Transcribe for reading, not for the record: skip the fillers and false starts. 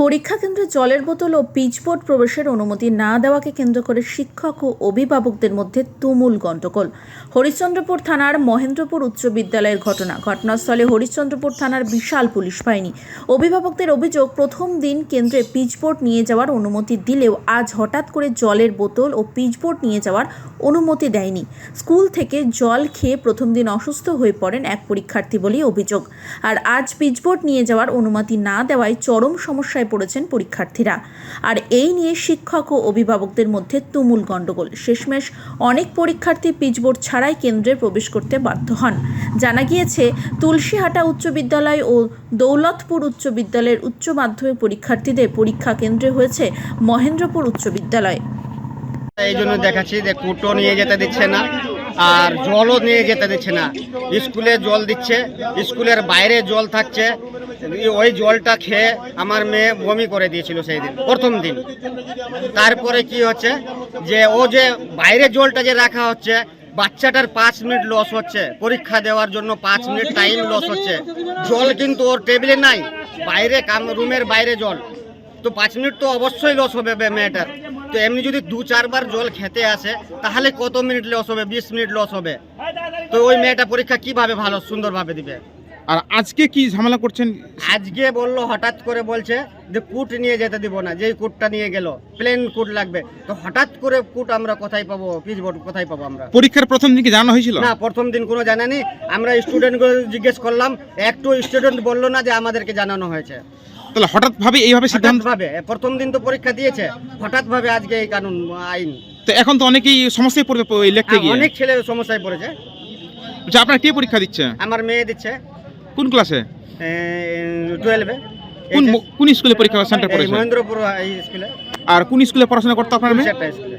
পরীক্ষা কেন্দ্রে জলের বোতল ও পিচবোর্ড প্রবেশের অনুমতি না দেওয়াকে কেন্দ্র করে শিক্ষক ও অভিভাবকদের মধ্যে তুমুল গণ্ডগোল। হরিশ্চন্দ্রপুর থানার মহেন্দ্রপুর উচ্চ বিদ্যালয়ের ঘটনাস্থলে হরিশ্চন্দ্রপুর থানার বিশাল পুলিশ বাহিনী। অভিভাবকদের অভিযোগ, প্রথম দিন কেন্দ্রে পিচবোর্ড নিয়ে যাওয়ার অনুমতি দিলেও আজ হঠাৎ করে জলের বোতল ও পিচবোর্ড নিয়ে যাওয়ার অনুমতি দেয়নি। স্কুল থেকে জল খেয়ে প্রথম দিন অসুস্থ হয়ে পড়েন এক পরীক্ষার্থী বলেই অভিযোগ। আর আজ পিচবোর্ড নিয়ে যাওয়ার অনুমতি না দেওয়ায় চরম সমস্যায় পড়েছেন পরীক্ষার্থীরা। আর এই নিয়ে শিক্ষক ও অভিভাবকদের মধ্যে তুমুল গণ্ডগোল। শেষমেশ অনেক পরীক্ষার্থী পিচবোর্ড ছাড়াই কেন্দ্রে প্রবেশ করতে বাধ্য হন। জানা গিয়েছে, তুলসীহাটা উচ্চ বিদ্যালয় ও দৌলতপুর উচ্চ বিদ্যালয়ের উচ্চ মাধ্যমিক পরীক্ষার্থীদের পরীক্ষা কেন্দ্রে হয়েছে মহেন্দ্রপুর উচ্চ বিদ্যালয়। এই জন্য দেখাচ্ছি যে কুটো নিয়ে যেতে দিচ্ছে না, আর জলও নিয়ে যেতে দিচ্ছে না। স্কুলে জল দিচ্ছে, স্কুলের বাইরে জল থাকছে। ওই জলটা খেয়ে আমার মেয়ে বমি করে দিয়েছিল সেই দিন, প্রথম দিন। তারপরে কি হচ্ছে যে ও যে বাইরে জলটা যে রাখা হচ্ছে, বাচ্চাটার 5 মিনিট লস হচ্ছে, পরীক্ষা দেওয়ার জন্য 5 মিনিট টাইম লস হচ্ছে। জল কিন্তু ওর টেবিলে নাই, বাইরে রুমের বাইরে জল, তো 5 মিনিট তো অবশ্যই লস হবে মেয়েটার। তো এমনি যদি 2-4 বার জল খেতে আসে তাহলে কত মিনিট লস হবে? 20 মিনিট লস হবে। তো ওই মেয়েটা পরীক্ষা কিভাবে ভালো সুন্দরভাবে দিবে? আর আজকে কি ঝামেলা করছেন? আজকে বললো, হঠাৎ করে বলছে যে কুট নিয়ে যেতে দিব না, যেই কুটটা নিয়ে গেল প্লেন কুট লাগবে। তো হঠাৎ করে কুট আমরা কোথায় পাবো? পিচবোর্ড কোথায় পাবো আমরা? পরীক্ষার প্রথম দিন কি জানানো হয়েছিল? না, প্রথম দিন কোনো জানানি। আমরা স্টুডেন্টগুলো জিজ্ঞেস করলাম, একটু স্টুডেন্ট বললো না যে আমাদেরকে জানানো হয়েছে। তাহলে হঠাৎ ভাবে এইভাবে সিদ্ধান্ত? ভাবে প্রথম দিন তো পরীক্ষা দিয়েছে, হঠাৎ ভাবে আজকে এই কানুন আইন। তো এখন তো অনেকেই সমস্যায় পড়বে লিখতে গিয়ে। অনেক ছেলে সমস্যায় পড়েছে। আচ্ছা, আপনার কে পরীক্ষা দিচ্ছে? আমার মেয়ে দিচ্ছে। কোন ক্লাসে? 12-এ। কোন স্কুলে পরীক্ষা সেন্টার পড়েছে? মহেন্দ্রপুর স্কুলে। আর কোন স্কুলে পড়াশোনা করতে আপনার মেয়ে? একটা স্কুলে।